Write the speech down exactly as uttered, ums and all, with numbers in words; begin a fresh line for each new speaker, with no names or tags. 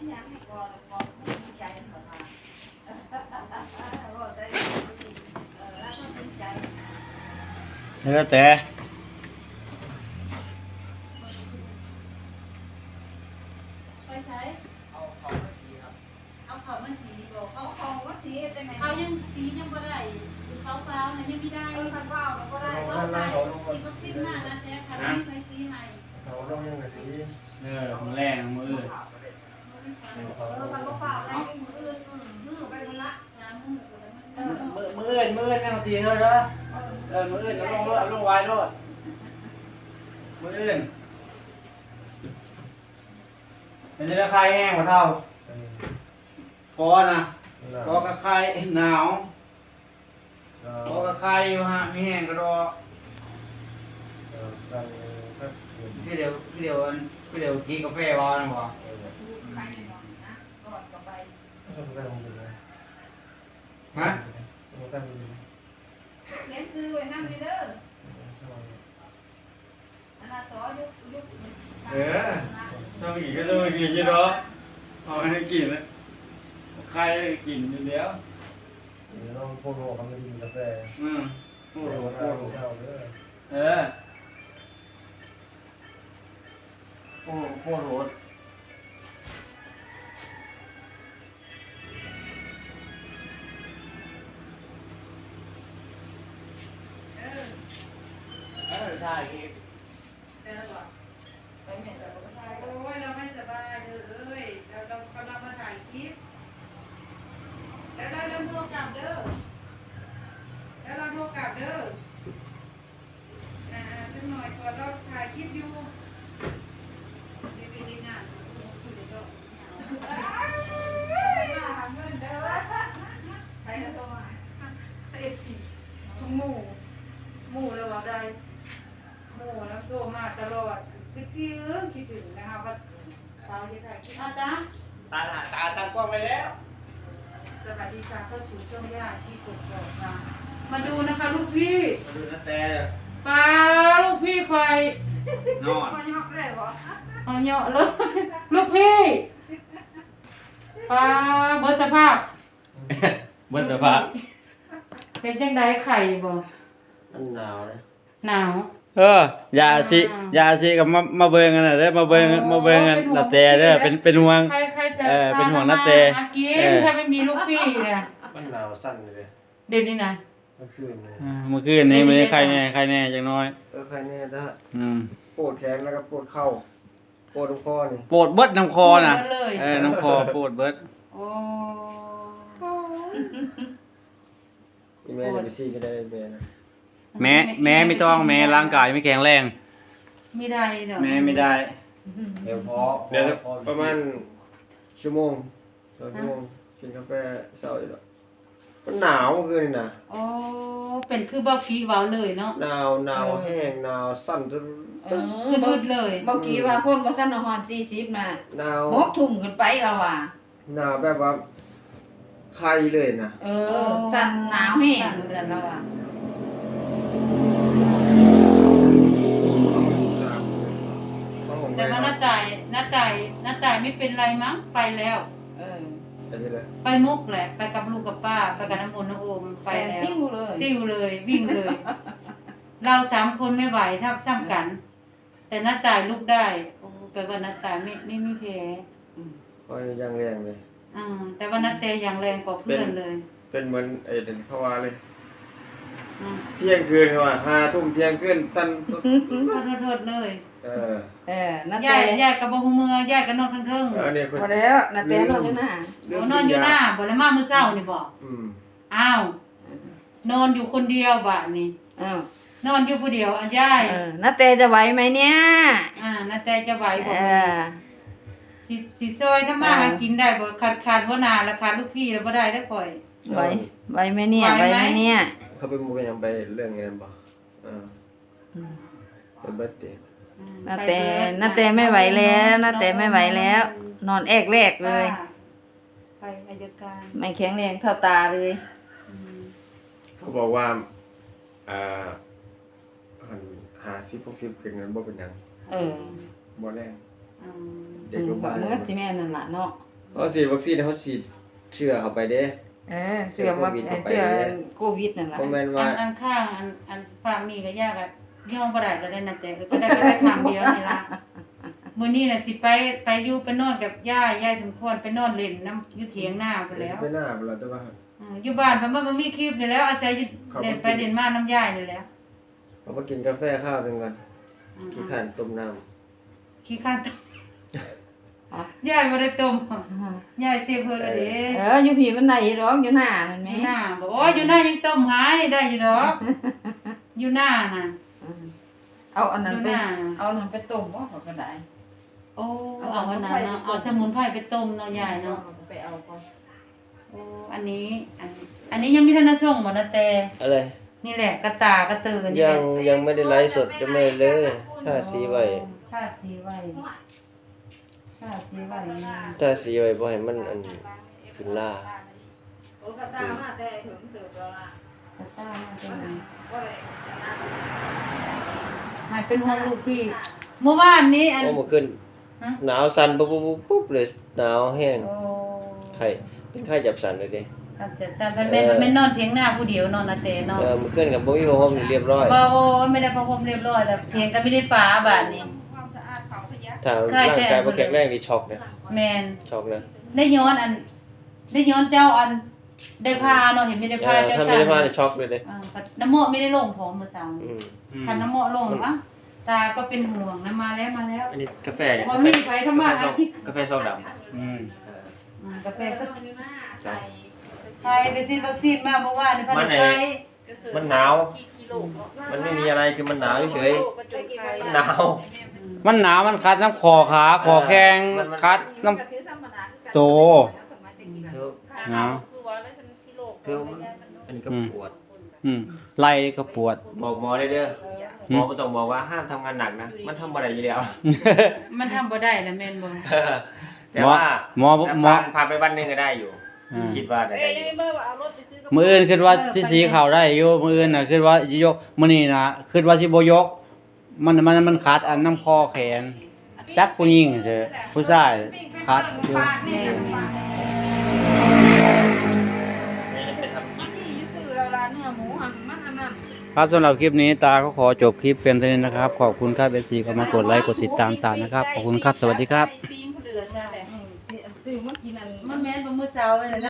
อยากให้ก่อนก่อนภูมิใจเหมือนมาว่าได้เออแล้วก็ภูมิใจ
แล้วแต่
ไปใช้เอาเขามาสีครับเอาเขามาสีบอกเขา
เอาของว่าสีแต่ไง
เขายังสียังบ่ได้เขาฟ้าวนะยังไม่ได้
เออคันเปล่าเราก็ได้
เขาไปสีก็สิ้นมากนะแต่ค่ะไม่เคยสีให้
เขาต้องยังกับสี
เออมือแรงมืออื่น
เออคันเปล่าได้มืออื่นมือไปคนละ
น้ำมือก็แล้ว
เออ
มือมืออื่นมืออื่นยังสีเลยเนาะเออมืออื่นเอาลงรถเอาลงไว้รถมืออื่นเป็นราคาแห้งกว่าเท่าพอนะพอกระคายหนาวพอกระคายอยู่ฮะมีแห้งกระดอ
สั่งก็
พี่เดียวพี่เดียวพี่เดียวกินกาแฟบ้างบ่
ใครเนี่ยนะก่อนก็ไป
สมการมึงนะ
ฮะ
สมการมึง
เลี้ยงซื้อไว้นั่งดีเด้ออันนั้นต่อยุกยุก
เออชอบกินก็ชอบกินยี่เนาะเอาให้กินเลยใครกินอยู่แล้ว
เดี๋ยวต้องพูดหัวเขาไม่กินกาแฟ
อืม
พู
พู
ด
ด
หัว
พู
พู
ด
ดเศร้าเลย
เออพูดพูดโหด
เออ
เออใช่พี่
เดี๋ยวบอก
ไปแม่แต่ก็ใช่
โอ้ยเราไม่สบายเลยเอ้ยเราเรากำลังมาถ่ายคลิปแล้วเราเริ่มโทรกลับเด้อแล้วเราโทรกลับเด้ออ่าสักหน่อยก่อนเราถ่ายคลิปอยู่ดีดีดีนะคุยเดี๋ยวก็มาหาเงินเด้อ
ใครจะต้องมา
เอฟซีทุกหมู่หมู่เลยว่าได้หมู่แล้วโทรมาตลอดคิดถึงคิดถึงนะคะว่าตาจะถ่ายคลิปอาจารย์
ตาตาตั้งกล้องไปแล้ว
สวัสดีค่ะเข้าสู่ช่วงย่าที่กดกดค่ะมาดูนะคะลูกพี่
มาดูนะแต่
ปลาลูกพี่ควาย
นอน
มาหยอกได้บ่
เอาเหยาะเลยลูกพี่ปลาเบิดสภาพ
เบิ้ลสภาพ
เป็นจังไดไข่บ่
มันหนาวเลย
หนาว
เออยาสิยาสิกับมามาเบิ่งกันน่ะเด้อมาเบิ่งมาเบิ่งกันนาแต่เด้อเป็นเป็นห่วง
ใครใครจะ
เออเป็นห่วงนะเต
หากิน
เออ
ถ้าไม่มีลูกพี่เนี่ย
มันหนาวสั้นเลย
เดี๋ยวนี้นะ
เมื่อคืนเลย
อ่าเมื่อคืนนี้ไม่ได้ใครแน่ใครแน่จังน้อย
เออใครเนี่ยถ้า
อืม
ปวดแขนแล้วก็ปวดเข่าปวดตรงคอนี่
ปวดเบิดน้ำคอน่ะ
ปวดเลย
เออน้ำคอปวดเบิด
โอ้
อีเมลไปซีก็ได้แม่นะ
แม้แม้ไม่ต้องแม้ร่างกายไม่แข็งแรง
ไม่ได้เด้อ
แม้ไม่ได้
เดี๋ยวพอเดี๋ยวประมาณชั่วโมงสองชั่วโมงกินกาแฟเศร้าอยู่แล้วมันหนาวเมื่อคืนนี่นะ
โอ้เป็นคือบ่กี้เว้าเลยเนาะ
หนาวหนาวแห้งหนาวสั่นจน
เออ
คือมืดเลย
เมื่อกี้ว่าคนบ่ทันฮอดสี่สิบน่ะ
หนาว
หกทุ่มขึ้นไปแล้วว่ะ
หนาวแบบว่าใครเลยนะ
เออสั่นหนาวแห้งสั่นแล้วว่ะ
แต่ว่าน้าตายน้าตายน้าตายไม่เป็นไรมั้งไปแล้ว
เออ
ไปที่เลย
ไปมุกแหละ ไปกับลูกกับป้าไปกับน้ำมนต์น้ำโอมไป
ไป
แล้ว
ติ้วเลย
ติ้วเลยวิ่งเลย เราสามคนไม่ไหวทับซ้ำกัน แต่น้าตายลูกได้โอ้แปลว่าน้าตายไม่ไม่มีแผล
คอยยังแรงเลย
อ่าแต่ว่าน้าเตยังแรงกว่าเพื่อนเลย
เป็นเหมือนไอ้เด่นเขาว่าเลย
อืม
เที่ยงคืนเขาว่าห้าทุ่มเที่ยงคืนสั้น
โทษโทษเลย
เออ
เออนา
ย่า
แต่
ยย่ายกับบ่ฮู้เมือย่ายกับนอนทั้งเทิง
อันนี้คน
พอแล้วนาแต่นอนอยู่หน้า
โอ้นอนอยู่หน้าบ่แล้วมามื้อเช้านี่บ่
อืม
อ้าว นอนอยู่คนเดียวบัดนี้
อ้าวน
อนอยู่ผู้เดียวอันย่าย
เออนาแต่จะไหวไหมเนี่ย
อ่านาแต่จะไหวบ่
เออ
สิสิซอยถ้ามา
อ่า
หากินได้บ่ขาดขาดหัวหน้าแล้วขาดลูกพี่แล้วบ่ได้เด้อข่อย
ไหวไหวไหมเนี่ย
ไห
ไห
ว
ว
ไหม
ไหมเนี่ย
เขาไปมุกยังไปเรื่องเงินบ่อ่า
อืม
ไปเบิดเตะ
อืม
นาแต่
ไปเบิด
นาแต่ไม่ไหวแล้วนาแต่ไม่ไหวแล้ว นอนแอกแรกเลย
ไปอายการ
ไม่แข็งแรงเท่าตาเลย
อืม
เขาบอกว่าอ่าหันหาสิบหกสิบขึ้นเงินบ่เป็นหยัง
เออ
บ่แรง
อืม
เด็กโรงพยาบาล
มันก็สิแม่นนั่นล่ะเนาะ
อเขาฉีดวัคซีนเขาฉีดเชื้อเข้าไปเด้
เออเสื้อว่าเสื้อโควิดนั่นล่ะ
บ่แม่น
อั
ว่า
นอันข้างอันอันฝั่งนี้ก็ยากอ่ะย่อมบ่ได้ก็ได้นะแต่ก็ได้ก็ได้ทางเดียวนี่ล่ะมื้อนี้น่ะสิไปไปอยู่ไปนอนกับย่าย่าสมควรไปนอนเล่นน้ำอยู่เถียงหน้าไปแล้ว
ไปหน้าบ่ล่ะแต่ว่า
อืออยู่บ้านเพิ่นบ่บ่มีคลิปนี่แล้วอาศัยอยู่เล่นไปเล่นมาน้ำยายนี่แหละ
เขามากินกาแฟข้าวหนึงก่อน
อืม
ขี้ข้านต้มน้ำ
ขี้ข้านต้มยายบ่ได้ต้มยายเสียเพิ่นแล้วเด้
เอออยู่พี่มันได้หรอกอยู่หน้านั่น
อ
แหม
ยู่หน้าบอกโอ้ยอยู่หน้ายังต้มหายได้อยู่ดอกอยู่หน้าน่ะ
เอาอันนั้น
อยู่
ไป
หน้า
เอาอันนั้นไปต้มบ่ก็ได้
โอ้เอาวันนั้นเนาะเอาสมุนไพรไปต้มเนาะยายเนาะ
ไปเอาก่อน
โอ้อันนี้อันอันนี้ยังมีทันได้ส่งบ่นะแต่
อะไร
นี่แหละกระตากระเตือนนี่
ยั
แห
ง
ละ
ยังไม่ได้ไลฟ์สดจะไม่เลยถ้าสีไว้
ค่าสีไว้ค่าสีไว้
ถ้าสีไว้บ่ให้มันอันขึ้นล่า
โอ้กระตามาแต่ถึงเติบแล้วล่ะ
กระตามาตัวนี้
ก็เลยกระตา
ให้เป็นห่วงลูกพี่เมื่อวานนี้อัน
โอ้เมื่อคืน
ฮะ
หนาวสั่นปุ๊บปุ๊บปุ๊บปุ๊บเลยหนาวแห้ง
โอ้
ไข้เป็นไข้จับสั่นเลยเด้
ครับจะซั่นเพิ่นแม่นเพิ่นแม่นนอนเถียงหน้าผู้เดียวนอนนะแต่นอน
เออเมื่อคืนก็บ่มีผ้าห่มเรียบร้อย
บ่โอ้ยไม่ได้ประพรมเรียบร้อยแต่เถียงกันไม่ได้ฟ้าบาดนี้
ความสะอาดเขาพยัก
ถ้า
ไข้
ร่าง
แต่
กายบ่แข็งแรงนี่ช็อกนะ
แม่น
ช็อกนะ
ได้ย้อนอัน ได้ย้อนเจ้าอัน ได้พาเนาะเห็นไม่ได้
เอ
พา
อ
เจ้า
ถ้า
ชา
ไม่
ย
ได้ผ้านี่ช็อกเลยเด้
อ่าน้ำโมไม่ได้ลงผมเมื่อเช้า
อืม
คันน้ำโมลงอ่ะตาก็เป็นห่วงนะมาแล้วมาแล้ว
อันนี้กาแฟเนี่ย
บ่มีไผทำมาหากิน
กาแฟซองดำ
อืม
อืมกาแฟสัก
อยู่หน้าใส่
ใครไปซื้อวัคซีนมาเมื่อวานนี่พันธุ์ไทย
มันหนาว มันไม่มีอะไรคือมันหนาวเฉยๆมันหนาว
มันหนาวมันคัดน้ำคอขาคอแข้ง
มันมัน
คัดน้
กระถือธรรมดาคือกัน
โต
เธอ
ำหนาว
เธออันนี้ก็ปวด
อืมไหล่ก็ปวด
บอกหมอได้เด้อหมอบ่ต้องบอกว่าห้ามทำงานหนักนะ มันทำอะไรอยู่แล้ว
มันทำบ่ได้แล้วแม่นบ่
แต่ว่า
หมอหมอ
ผ่านผ่านไปวันหนึงก็ได้อยู่
อ่า
คิดว่าได้
เอ้ย
อ
ยัง
ยู่
ไม่เบิ่งว่าเอารถไปซื้อกับ
มื้ออื่นคิดว่าสิสีเข้าได้อยู่มื้ออื่นน่ะคิดว่าสิยกมื้อนี้น่ะคิดว่าสิบ่ยก มันมันมันขาดอันน้ำคอแขน จักผู้หญิงเถอะผู้ชายคัดอยู่
ไปทำกิน
ที่อยู่ซื้อเราร้านเนื้อหมูหันมันอันนั้น
ครับสำหรับคลิปนี้ตาก็ขอจบคลิปเพียงเท่านี้นะครับ ขอบคุณครับเอฟซีก็มากดไลค์กดติดตามตามนะครับ ขอบคุณครับ สวัสดีครับ
ปีงเหลืองนั่นแหละ
ซื้อมากินอัน
มันแม่นบ่มื้อเช้าเลยนะ